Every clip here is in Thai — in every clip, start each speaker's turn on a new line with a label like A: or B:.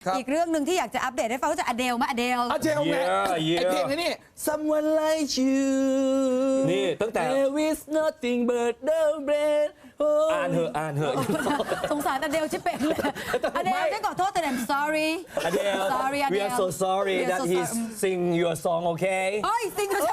A: อีกเรื่องหนึ่งที่อยากจะอัปเดตให้ฟังก็จะอเดลมาอเดล
B: เจลไงไอเพลงนี้ Someone like you
C: นี่ตั้งแต่
B: There is nothing but the rain
C: อ่านเหอะ
A: สงสารอเดลชิบเป็นเลยอเดลได้ขอโทษแต่ I'm sorry
C: Adele
A: sorry
C: we are so sorry
A: We are
C: that
A: so
C: he
A: sorry.
C: sing your song okay
A: เฮ้ยซิงเกิล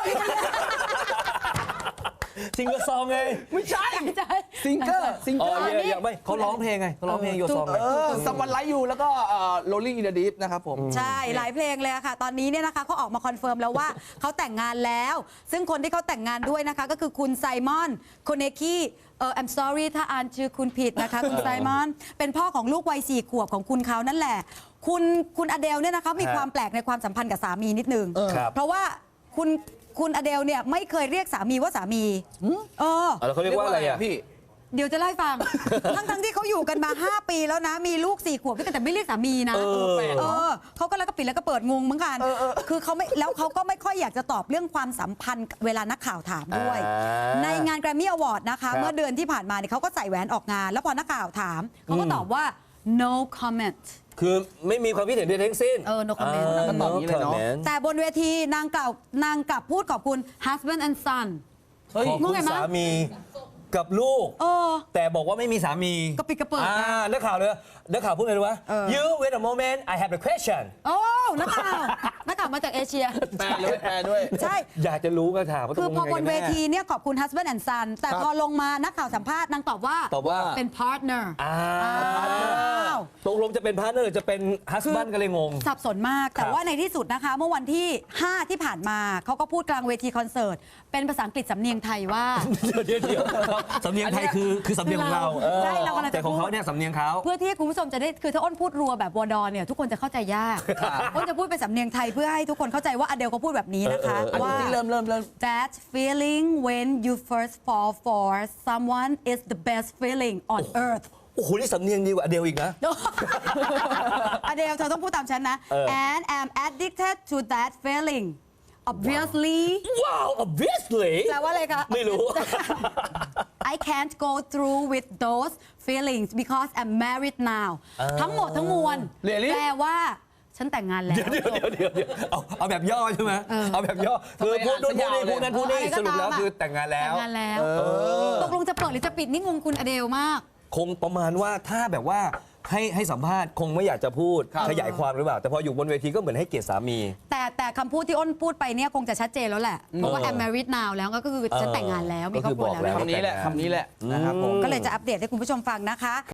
C: sing your song ไง
B: ไม่ใช่
A: ใช่
B: ซิงเกอร์
C: อ๋อไม่เขาร้องเพลงไงเขาร้องเพลง your song ไง
B: Someone like you แล้วก็ Rolling in the Deep นะครับผม
A: ใช่หลายเพลงเลยอะค่ะตอนนี้เนี่ยนะคะเขาออกมาคอนเฟิร์มแล้วว่าเขาแต่งงานแล้ว ซึ่งคนที่เขาแต่งงานด้วยนะคะก็คือคุณไซมอนโคเนคีI'm sorry ถ้าอ่านชื่อคุณผิดนะคะคุณไซมอนเป็นพ่อของลูกวัย4 ขวบของคุณเขานั่นแหละ คุณอเดลเนี่ยนะคะมีความแปลกในความสัมพันธ์กับสามีนิดนึง เพราะว่าคุณอเดลเนี่ยไม่เคยเรียกสามีว่าสามี
C: แล้วเขาเรียกว่าอะไรอ่ะ
B: พี่
A: เดี๋ยวจะเล่าให้ฟัง ทั้งที่เขาอยู่กันมา 5 ปีแล้วนะ มีลูก4 ขวบด้วยกันแต่ไม่เรียกสามีนะเขาก็แล้วก็ปิดแล้วก็เปิดงงเหมือนกันคือเขาไม่แล้วเขาก็ไม่ค่อยอยากจะตอบเรื่องความสัมพันธ์เวลานักข่าวถามด้วย ในงาน Grammy Award นะคะเมื่อเดือนที่ผ่านมาเนี่ยเขาก็ใส่แหวนออกงาน แล้วพอนักข่าวถามเขาก็ตอบว่า no comment
C: คือไม่มีความคิดเห็นใดทั้งสิ้น
A: no comment
B: มันตอบอย่างนี้เลยเนาะ
A: แต่บนเวทีนางกลับพูดขอบคุณ husband and son
C: ขอบคุณสามีกับลูกแต่บอกว่าไม่มีสามี
A: ก็ปิดกระเปิด
C: นักข่าวพูดไงรู้วะ You wait a moment I have a question
A: โอ้นักข่าวมาจากเอเชีย
B: แปลด้วย
A: ใช่
C: อยากจะรู้ก็ถามว่า
A: คือพอบนเวที
C: ตกลงยังไง
A: เนี่ยขอบคุณ husband and son แต่พอลงมานักข่าวสัมภาษณ์นางตอบว่าเป็น partner
C: ตกลงจะเป็นพาร์ทเนอร์หรือจะเป็นฮัสบันกันเลยงง
A: สับสนมาก แต่ว่าในที่สุดนะคะ เมื่อวันที่ 5 ที่ผ่านมาเขาก็พูดกลางเวทีคอนเสิร์ต เป็นภาษาอังกฤษสำเนียงไทยว่า
C: เดี๋ยวสำเนียงไทยคือสำเนียงของเรา
A: ใช่เรากำลังจะ
C: แต่ของเขาเนี่ยสำเนียงเขา
A: เพื่อที่คุณผู้ชมจะได้คือถ้าอ้นพูดรัวแบบวอดอเนี่ยทุกคนจะเข้าใจยากอ้นจะพูดเป็นสำเนียงไทยเพื่อให้ทุกคนเข้าใจว่าอเดลเขาพูดแบบนี้นะคะว่า
B: เริ่ม
A: That feeling when you first fall for someone is the best feeling on earth
C: โอ้โหนี่สำเนียงดีกว่าอเดลอีกนะ
A: อเดลเธอต้องพูดตามฉันนะ and I'm addicted to that feeling obviously
C: ว้าว obviously
A: แปลว่าอะไรคะ
C: ไม่รู้
A: I can't go through with those feelings because I'm married now ทั้งหมดทั้งมวลแปลว่าฉันแต่งงานแล้ว
C: เดี๋ยวเอาแบบย่อใช่ไหมเอาแบบย่อคือพูดนู่นพูดนี่พูดนั่นพูดนี่สรุปแล้วคือแต่งงานแล้ว
A: ตกลงจะเปิดหรือจะปิดนี่งงคุณอเดลมาก
C: คงประมาณว่าถ้าแบบว่าให้สัมภาษณ์คงไม่อยากจะพูดขยายความหรือเปล่าแต่พออยู่บนเวทีก็เหมือนให้เกียรติสามี
A: แต่คำพูดที่อ้นพูดไปเนี่ยคงจะชัดเจนแล้วแหละเพราะว่า I'm married now แล้วก็คือฉันแต่งงานแล้วมีครอบครัวแล้ว
B: คำนี้แหละนะครับผม
A: ก็เลยจะอัปเดตให้คุณผู้ชมฟังนะคะ